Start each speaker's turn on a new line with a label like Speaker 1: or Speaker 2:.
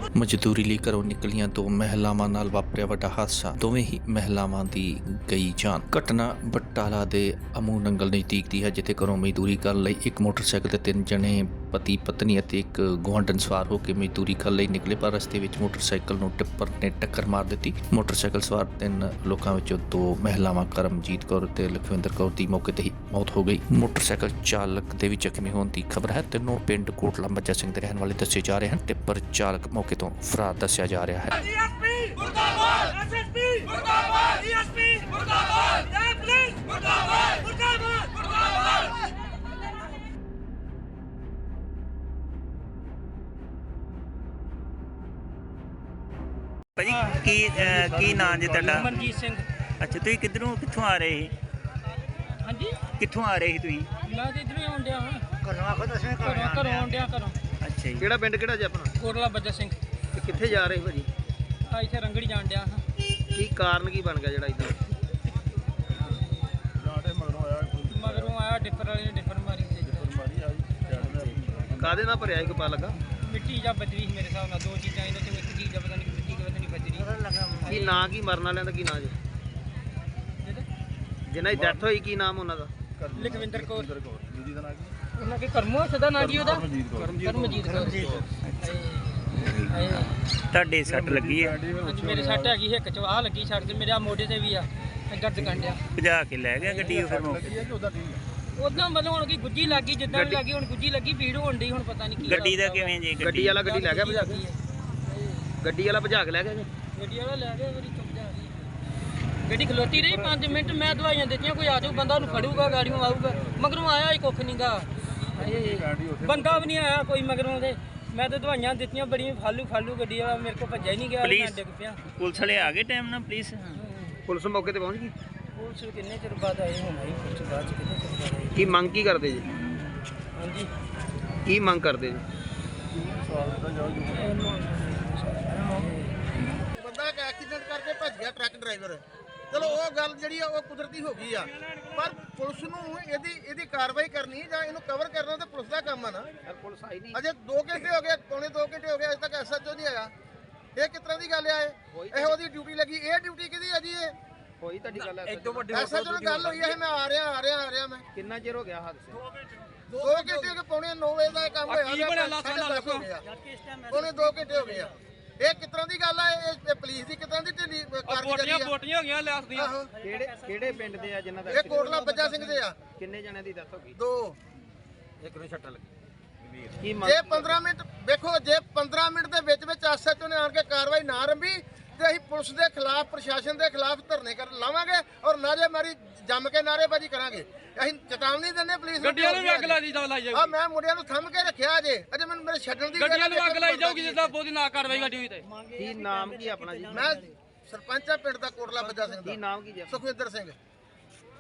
Speaker 1: ਮਜ਼ਦੂਰੀ ਲਈ ਘਰੋਂ ਨਿਕਲੀਆਂ ਦੋ ਮਹਿਲਾਵਾਂ ਨਾਲ ਵਾਪਰਿਆ ਵੱਡਾ ਹਾਦਸਾ। ਦੋਵੇਂ ਹੀ ਮਹਿਲਾਵਾਂ ਦੀ ਗਈ ਜਾਨ। ਘਟਨਾ ਬਟਾਲਾ ਦੇ ਅਮੂ ਨੰਗਲ ਨਜ਼ਦੀਕ ਦੀ ਹੈ, ਜਿੱਥੇ ਘਰੋਂ ਮਜ਼ਦੂਰੀ ਕਰਨ ਲਈ ਇੱਕ ਮੋਟਰਸਾਈਕਲ ਤੇ ਤਿੰਨ ਜਣੇ ਪਤੀ ਪਤਨੀ ਅਤੇ ਇੱਕ ਗੁਆਂਢਣ ਸਵਾਰ ਹੋ ਕੇ ਮਜ਼ਦੂਰੀ ਕਰਨ ਲਈ ਨਿਕਲੇ, ਪਰ ਰਸਤੇ ਵਿੱਚ ਮੋਟਰਸਾਈਕਲ ਨੂੰ ਟਿੱਪਰ ਨੇ ਟੱਕਰ ਮਾਰ ਦਿੱਤੀ। ਮੋਟਰਸਾਈਕਲ ਸਵਾਰ ਤਿੰਨ ਲੋਕਾਂ ਵਿੱਚੋਂ ਦੋ ਮਹਿਲਾਵਾਂ ਕਰਮਜੀਤ ਕੌਰ ਤੇ ਲਖਵਿੰਦਰ ਕੌਰ ਦੀ ਮੌਕੇ ਤੇ ਹੀ ਮੌਤ ਹੋ ਗਈ। ਮੋਟਰਸਾਈਕਲ ਚਾਲਕ ਦੇ ਵੀ ਜ਼ਖਮੀ ਹੋਣ ਦੀ ਖਬਰ ਹੈ। ਤਿੰਨੋਂ ਪਿੰਡ ਕੋਟਲਾ ਮੱਜਾ ਸਿੰਘ ਦੇ ਰਹਿਣ ਵਾਲੇ ਦੱਸੇ ਜਾ ਰਹੇ ਹਨ। ਟਿੱਪਰ ਚਾਲਕ ਮੌਕੇ ਤੋਂ ਫਰਾਰ ਦੱਸਿਆ ਜਾ ਰਿਹਾ ਹੈ।
Speaker 2: ਭਾਜੀ ਕੀ ਨਾਂ ਜੀ ਤੁਹਾਡਾ?
Speaker 3: ਮਨਜੀਤ ਸਿੰਘ।
Speaker 2: ਅੱਛਾ, ਤੁਸੀਂ ਕਿੱਥੋਂ ਆ ਰਹੇ ਸੀ?
Speaker 3: ਹਾਂਜੀ,
Speaker 2: ਕਿੱਥੋਂ ਆ ਰਹੇ ਸੀ ਤੁਸੀਂ?
Speaker 3: ਮੈਂ ਤੇ ਇਧਰੋਂ ਆਉਣ ਡਿਆ ਹਾਂ। ਘਰੋਂ ਆਉਣ ਡਿਆ ਘਰੋਂ।
Speaker 2: ਅੱਛਾ ਜੀ,
Speaker 4: ਕਿਹੜਾ ਪਿੰਡ ਕਿਹੜਾ ਜੀ ਆਪਣਾ?
Speaker 3: ਕੋਟਲਾ ਬੱਜਾ ਸਿੰਘ।
Speaker 4: ਤੇ ਕਿੱਥੇ ਜਾ ਰਹੇ ਭਾਜੀ?
Speaker 3: ਆ ਇੱਥੇ ਰੰਗੜੀ ਜਾਣ ਡਿਆ ਹਾਂ।
Speaker 4: ਕੀ ਕਾਰਨ ਕੀ ਬਣ ਗਿਆ ਜਿਹੜਾ ਇਦਾਂ?
Speaker 3: ਮਗਰੋਂ ਆਇਆ ਡਿੱਪਰ ਵਾਲੇ ਨੇ ਡਿੱਪਰ ਮਾਰੀ ਸੀ।
Speaker 4: ਕਾਹਦੇ ਨਾਲ ਭਰਿਆ ਸੀ ਪਤਾ ਲੱਗਾ?
Speaker 3: ਮਿੱਟੀ ਜਾਂ ਬਜਰੀ ਸੀ ਮੇਰੇ ਹਿਸਾਬ ਨਾਲ। ਦੋ ਚੀਜ਼ਾਂ ਇਹਨਾਂ ਚੋਂ ਇੱਕ ਚੀਜ਼ ਆ, ਪਤਾ ਨਹੀਂ ਮਿੱਟੀ ਕਿ ਪਤਾ ਨਹੀਂ ਬਜਰੀ।
Speaker 4: ਕੀ ਨਾਂ ਕੀ ਮਰਨ ਵਾਲਿਆਂ ਦਾ ਕੀ ਨਾਂ ਜੀ? ਜਿਹਨਾਂ ਦੀ ਡੈਥ ਹੋਈ ਕੀ ਨਾਮ ਉਹਨਾਂ ਦਾ?
Speaker 3: ਲਖਵਿੰਦਰ ਕੌਰ। ਉਹਨਾਂ ਕੇ ਕਰਮੋ ਸਦਾ ਨਾਂ ਜੀ ਉਹਦਾ? ਕਰਮਜੀਤ ਕੌਰ।
Speaker 2: ਤੁਹਾਡੇ ਸੱਟ ਲੱਗੀ ਹੈ?
Speaker 3: ਹਾਂਜੀ, ਮੇਰੇ ਸੱਟ ਹੈਗੀ ਹਿੱਕ ਚ, ਆਹ ਲੱਗੀ ਸੱਟ ਤੇ ਮੇਰੇ ਆ ਮੋਢੇ ਤੇ ਵੀ ਆ ਦਰਦ ਕੰਡਿਆ।
Speaker 2: ਭਜਾ ਕੇ ਲੈ ਗਿਆ ਗੱਡੀ? ਫਿਰ ਮੌਕੇ
Speaker 3: ਉਦਾਂ ਮਤਲਬ ਹੁਣ ਕੀ ਗੁੱਜੀ ਲੱਗੀ, ਜਿੱਦਾਂ ਵੀ ਲੱਗੀ ਹੁਣ ਗੁੱਜੀ ਲੱਗੀ, ਭੀੜ ਹੋਣ ਡਈ, ਹੁਣ ਪਤਾ ਨਹੀਂ ਕੀ
Speaker 2: ਗੱਡੀ ਦਾ ਕਿਵੇਂ ਜੀ?
Speaker 4: ਗੱਡੀ ਵਾਲਾ ਗੱਡੀ ਲੈ ਗਿਆ ਭਜਾ ਕੇ? ਗੱਡੀ ਵਾਲਾ ਭਜਾ ਕੇ ਲੈ ਗਿਆ ਜੀ?
Speaker 3: ਗੱਡੀ ਵਾਲਾ ਲੈ ਗਿਆ, ਮੇਰੀ ਚੁੱਪ ਜਾ ਰਹੀ। ਗੱਡੀ ਖਲੋਤੀ ਰਹੀ 5 ਮਿੰਟ, ਮੈਂ ਦਵਾਈਆਂ ਦਿੱਤੀਆਂ, ਕੋਈ ਆ ਜਾਊ ਬੰਦਾ ਉਹਨੂੰ ਫੜੂਗਾ, ਗਾੜੀਆਂ ਆਊਗਾ। ਮਗਰੋਂ ਆਇਆ ਹੀ ਕੁੱਖ ਨਹੀਂਗਾ, ਬੰਦਾ ਵੀ ਨਹੀਂ ਆਇਆ ਕੋਈ ਮਗਰੋਂ ਦੇ। ਮੈਂ ਤਾਂ ਦਵਾਈਆਂ ਦਿੱਤੀਆਂ ਬੜੀਆਂ, ਫਾਲੂ ਗੱਡੀ ਵਾਲਾ ਮੇਰੇ ਕੋਲ ਭੱਜਿਆ ਹੀ ਨਹੀਂ ਗਿਆ, ਮੈਂ ਡਿੱਗ ਪਿਆ।
Speaker 2: ਪੁਲਿਸ ਵਾਲੇ ਆ ਗਏ ਟਾਈਮ ਨਾਲ?
Speaker 4: ਪੁਲਿਸ ਮੌਕੇ ਤੇ ਪਹੁੰਚ ਗਈ?
Speaker 3: ਪੁਲਿਸ ਕਿੰਨੇ ਚਿਰ ਬਾਅਦ ਆਏ ਹੁਣ? ਆਈ ਪੁਲਿਸ ਬਾਅਦ ਚ ਕਿੰਨੇ ਚਿਰ ਬਾਅਦ ਆਈ?
Speaker 4: ਕੀ ਮੰਗ ਕੀ ਕਰਦੇ ਜੀ?
Speaker 3: ਹਾਂਜੀ,
Speaker 4: ਕੀ ਮੰਗ ਕਰਦੇ ਜੀ?
Speaker 5: ਬੰਦਾ ਇੱਕ ਐਕਸੀਡੈਂਟ ਕਰਕੇ ਭੱਜ ਗਿਆ ਟਰੱਕ ਡਰਾਈਵਰ। ਚਲੋ ਉਹ ਗੱਲ ਜਿਹੜੀ ਆ ਉਹ ਕੁਦਰਤੀ ਹੋ ਗਈ ਆ, ਪਰ ਪੁਲਿਸ ਨੂੰ ਇਹਦੀ ਕਾਰਵਾਈ ਕਰਨੀ ਜਾਂ ਇਹਨੂੰ ਕਵਰ ਕਰਨਾ ਤਾਂ ਪੁਲਿਸ ਦਾ ਕੰਮ ਆ ਨਾ।
Speaker 4: ਪੁਲਿਸ ਆਈ ਨਹੀਂ
Speaker 5: ਅਜੇ 2 ਘੰਟੇ ਹੋ ਗਏ, ਪੌਣੇ 2 ਘੰਟੇ ਹੋ ਗਏ, ਅਜੇ ਤੱਕ ਐਸਐਚਓ ਨਹੀਂ ਆਇਆ। ਇਹ ਕਿਸ ਤਰ੍ਹਾਂ ਦੀ ਗੱਲ ਆ? ਇਹ ਉਹਦੀ ਡਿਊਟੀ ਲੱਗੀ। ਇਹ ਡਿਊਟੀ ਕਿਹਦੀ ਆ ਜੀ? ਇਹ
Speaker 4: ਹੋਈ ਤੁਹਾਡੀ ਗੱਲ?
Speaker 5: ਐਸਐਚਓ ਨਾਲ ਗੱਲ ਹੋਈ ਹੈ, ਮੈਂ ਆ ਰਿਹਾ ਮੈਂ।
Speaker 4: ਕਿੰਨਾ ਚਿਰ ਹੋ ਗਿਆ ਹਾਦਸੇ?
Speaker 5: 2 ਘੰਟੇ ਹੋ ਗਏ, ਪੌਣੇ 9 ਵਜੇ ਦਾ ਇਹ ਕੰਮ ਹੋਇਆ। ਪੌਣੇ 2 ਘੰਟੇ ਹੋ ਗਏ ਆ। ਇਹ ਕਿਸ ਤਰ੍ਹਾਂ ਦੀ ਗੱਲ ਆ? ਇਹ ਪੁਲਿਸ ਦੀ ਕਿਸ ਤਰ੍ਹਾਂ ਦੀ ਢਿੱਲੀ ਕਾਰਗੁਜ਼ਾਰੀ ਆ?
Speaker 3: ਬੋਟੀਆਂ ਹੋ ਗਈਆਂ ਲਿਆਸ ਦੀਆਂ।
Speaker 4: ਕਿਹੜੇ ਪਿੰਡ ਦੇ ਆ ਜਿਨ੍ਹਾਂ ਦਾ?
Speaker 5: ਇਹ ਕੋਟਲਾ ਬੱਜਾ ਸਿੰਘ ਦੇ ਆ।
Speaker 4: ਕਿੰਨੇ ਜਣਿਆਂ ਦੀ ਡੈਥ ਹੋ ਗਈ?
Speaker 5: 2।
Speaker 4: ਇੱਕ ਨੂੰ ਛੱਟਾ ਲੱਗੀ।
Speaker 5: ਜੇ 15 ਮਿੰਟ ਵੇਖੋ, ਜੇ 15 ਮਿੰਟ ਦੇ ਵਿੱਚ ਐਸਐਚਓ ਨੇ ਆਣ ਕੇ ਕਾਰਵਾਈ ਨਾ ਰੰਭੀ ਤੇ ਅਸੀਂ ਪੁਲਿਸ ਦੇ ਖਿਲਾਫ, ਪ੍ਰਸ਼ਾਸਨ ਦੇ ਖਿਲਾਫ ਧਰਨੇ ਲਾਵਾਂਗੇ ਔਰ ਨਾਅਰੇਬਾਜ਼ੀ ਜੰਮ ਕੇ ਨਾਅਰੇਬਾਜ਼ੀ ਕਰਾਂਗੇ। ਅਸੀਂ ਚੇਤਾਵਨੀ ਦਿੰਦੇ ਪੁਲਿਸ ਨੂੰ।
Speaker 3: ਗੱਡੀਆਂ ਨੂੰ ਵੀ ਅੱਗ ਲਾਈ ਜਾਊਗੀ।
Speaker 5: ਆ ਮੈਂ ਮੁੰਡਿਆਂ ਨੂੰ ਥੰਮ ਕੇ ਰੱਖਿਆ ਅਜੇ ਮੈਨੂੰ ਮੇਰੇ ਛੱਡਣ ਦੀ
Speaker 3: ਗੱਡੀਆਂ ਨੂੰ ਅੱਗ ਲਾਈ ਜਾਊਗੀ ਜਿੱਦਾਂ ਬਹੁਤੀ ਨਾ ਕਾਰਵਾਈ ਗੱਡੀ ਹੋਈ ਤੇ।
Speaker 4: ਕੀ ਨਾਮ ਕੀ ਆਪਣਾ ਜੀ?
Speaker 5: ਮੈਂ ਸਰਪੰਚ ਆ ਪਿੰਡ ਦਾ ਕੋਟਲਾ ਬੱਜਾ ਸਿੰਘ
Speaker 4: ਕੀ
Speaker 5: ਦਾ।
Speaker 4: ਨਾਮ ਕੀ ਜੀ?
Speaker 5: ਸੁਖਵਿੰਦਰ ਸਿੰਘ।